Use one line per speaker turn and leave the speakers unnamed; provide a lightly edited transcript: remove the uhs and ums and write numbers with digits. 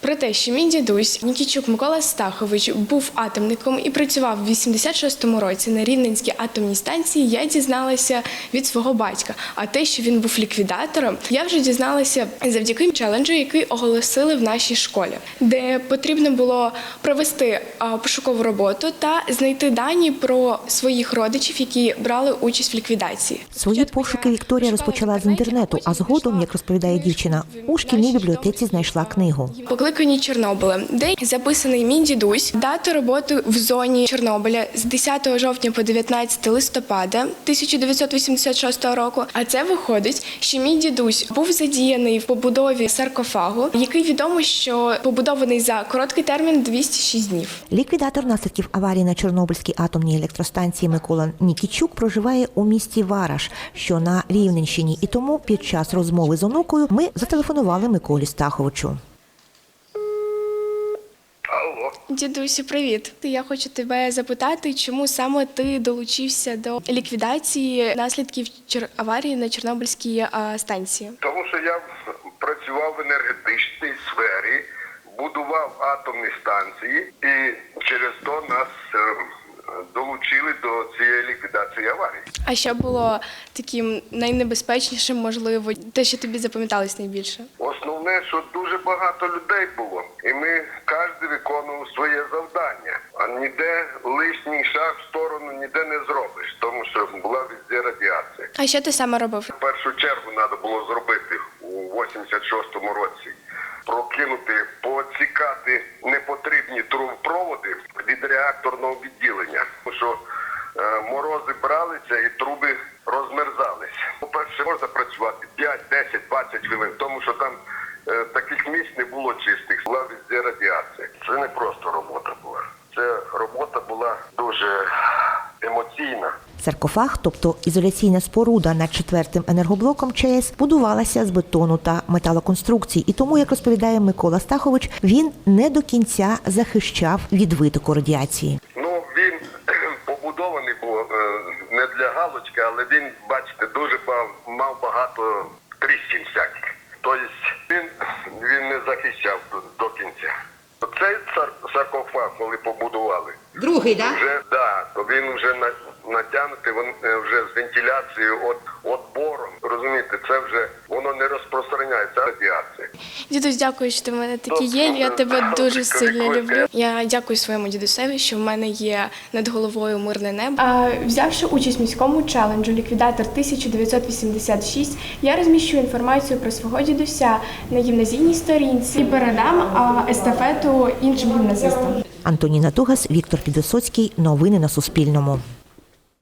Про те, що мій дідусь Нікітчук Микола Стахович був атомником і працював в 86-му році на Рівненській атомній станції, я дізналася від свого батька. А те, що він був ліквідатором, я вже дізналася завдяки челенджу, який оголосили в нашій школі, де потрібно було провести пошукову роботу та знайти дані про своїх родичів, які брали участь в ліквідації.
Свої пошуки Вікторія розпочала з інтернету, а згодом, як розповідає дівчина, у шкільній бібліотеці знайшла книгу.
Покликані Чорнобилем, де записаний мій дідусь, дата роботи в зоні Чорнобиля з 10 жовтня по 19 листопада 1986 року. А це виходить, що мій дідусь був задіяний в побудові саркофагу, який відомо, що побудований за короткий термін 206 днів.
Ліквідатор наслідків аварії на Чорнобильській атомній електростанції Микола Нікітчук проживає у місті Вараш, що на Рівненщині. І тому під час розмови з онукою ми зателефонували Миколі Стаховичу.
Алло.
Дідусю, привіт. Я хочу тебе запитати, чому саме ти долучився до ліквідації наслідків аварії на Чорнобильській станції?
Тому що я працював в енергетичній сфері, будував атомні станції і через то нас долучили до цієї ліквідації аварії.
А що було таким найнебезпечнішим, можливо, те, що тобі запам'яталось найбільше?
Основне, що дуже багато людей було, і ми кожен виконував своє завдання. А ніде лишній шаг в сторону ніде не зробиш, тому що була везде радіація.
А що ти саме робив?
В першу чергу треба було зробити у 86-му році. Прокинути, поцікати непотрібні трубопроводи від реакторного відділення. Тому що морози бралися і труби розмерзалися. По-перше, можна працювати 5, 10, 20 хвилин, тому що там таких місць не було чистих, була везде радіація. Це не просто робота була. Це робота була дуже емоційна.
Саркофаг, тобто ізоляційна споруда над 4-м енергоблоком ЧАЕС, будувалася з бетону та металоконструкцій. І тому, як розповідає Микола Стахович, він не до кінця захищав від витоку радіації.
Ну, він побудований був не для галочки, але він, бачите, дуже мав багато тріщин всяких. Тобто він не захищав до кінця. Цей саркофаг, коли побудували,
другий, так?
То він вже натягнутий, вже з вентиляцією, отбором. Розумієте, це вже воно не розпространяється радіація.
Дідусь, дякую, що ти в мене такий є. Я тебе дуже сильно люблю. Я дякую своєму дідусеві, що в мене є над головою мирне небо. Взявши участь в міському челенджу «Ліквідатор 1986», я розміщу інформацію про свого дідуся на гімназійній сторінці і передам естафету іншим гімназистам.
Антоніна Тугас, Віктор Підвисоцький. Новини на Суспільному.